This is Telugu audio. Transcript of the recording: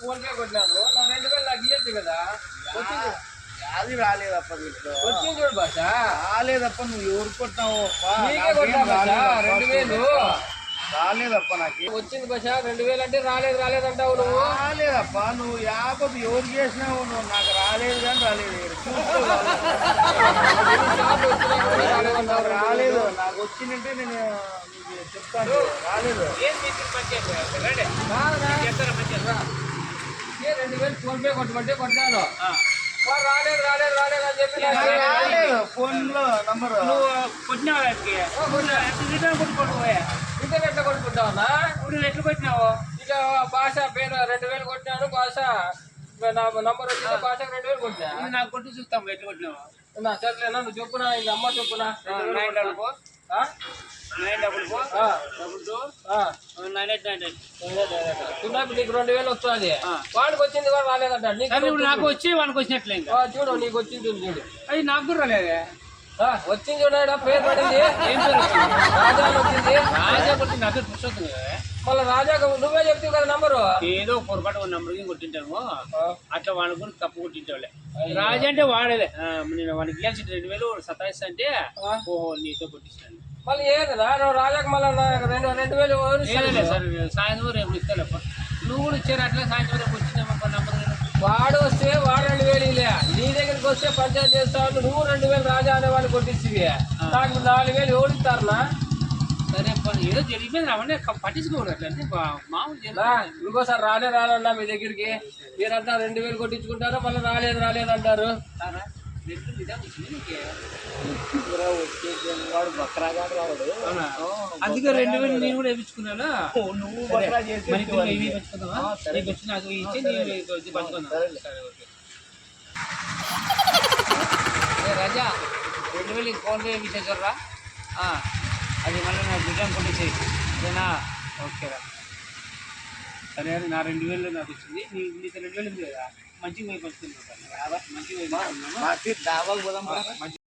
ఫోన్ పే కొట్టినాను నా 2000 నాకు ఇయ్యొచ్చు కదా. అది రాలేదప్ప వీటిలో వచ్చింది చూడు భాష. రాలేదప్ప, నువ్వు ఎవరు కొట్టినావు? నీకే కొట్టినా భాష 2000 రాలేదప్ప. నాకు వచ్చింది భాష 2000 అంటే రాలేదంటావు నువ్వు. రాలేదప్ప, నువ్వు యాభై ఎవరు చేసినావు? నువ్వు నాకు రాలేదు కానీ రాలేదు. నాకు రాలేదు, నాకు వచ్చిందంటే నేను చెప్తాను. రాలేదు. 2000 ఫోన్ పే కొట్టమంటే కొట్టాను. రాలేదు అని చెప్పి రాలేదు. ఫోన్ లో నంబర్ నువ్వు కొట్టినావు ఇంటర్ ఎట్లా కొట్టుకుంటావన్నా? ఇప్పుడు ఎట్లు కొట్టినావు? ఇక భాష పేరు 2000 కొట్టినాను. భాష నంబర్ వచ్చింది. భాషకు 2000 కొట్టినా. నాకు కొట్టి చూస్తాము ఎట్లు కొట్టినావు. నా సర్లేనా నువ్వు చెప్పునా, ఈ నంబర్ చెప్పునా. 999 నీకు 2000 వస్తుంది. వాడికి వచ్చింది కూడా రాలేదంట. నాకు వచ్చి వానికి వచ్చినట్లే. చూడు నీకు వచ్చింది చూడు. అది నాకు కూడా రాలేదే. వచ్చింది చూడ పేరు పడింది. ఏం పేరు వచ్చింది? రాజా వచ్చింది. రాజా కొట్టి నా పేరు పురుషోత్తం కదా. మళ్ళీ రాజా నువ్వే చెప్తావు కదా నంబరు. ఏదో పొరపాటు నంబర్ కొట్టింటాము. అట్లా వాడిని కూడా తప్పు కొట్టింటావులే. రాజా అంటే వాడేలే. నేను వాడికి ఇవ్వాల్సి 2000 సతాయిస్తా అంటే ఓహో నీతో కొట్టిస్తాను. మళ్ళీ ఏదన్నా నువ్వు రాజాకు మళ్ళీ 2000 సార్ సాయంత్రం రేపు ఇస్తాలేప్ప. నువ్వు కూడా ఇచ్చారు అట్లా సాయంత్రం రేపు వచ్చిందమ్మా నంబర్. వాడు వస్తే వాడు 2000 ఇలే. నీ దగ్గరికి వస్తే పంచాయతీ చేస్తావు. నువ్వు 2000 రాజా అనే వాడిని కొట్టిస్తావి. నాకు 4000 ఎవరు ఇస్తారనా? సరే ఏదో జరిగిపోయింది అవన్నీ పట్టించుకోకూడదు. అట్లా అంటే మామూలు ఇంకోసారి రాలేదన్నా మీ దగ్గరికి. మీరంతా 2000 కొట్టించుకుంటారు, మళ్ళీ రాలేదు అంటారు. వాడు బక్రాగా రావడు. అందుకే 2000 నేను కూడా వేయించుకున్నాను. నువ్వు బక్రా చేసి నాకు ఇచ్చి పంచుకుందాం. రాజా 2000 ఫోన్ పే విశేషరా. అది మళ్ళీ నాకు రిటర్న్ కొట్టేసేయి. అదేనా? ఓకేరా. సరే అది నా 2000 నాకు వచ్చింది. నీకు 2000 ఉంది కదా, మంచిగా పోయి పంచుకుందాం. మంచిగా పోయి దాబాకు పోదాం.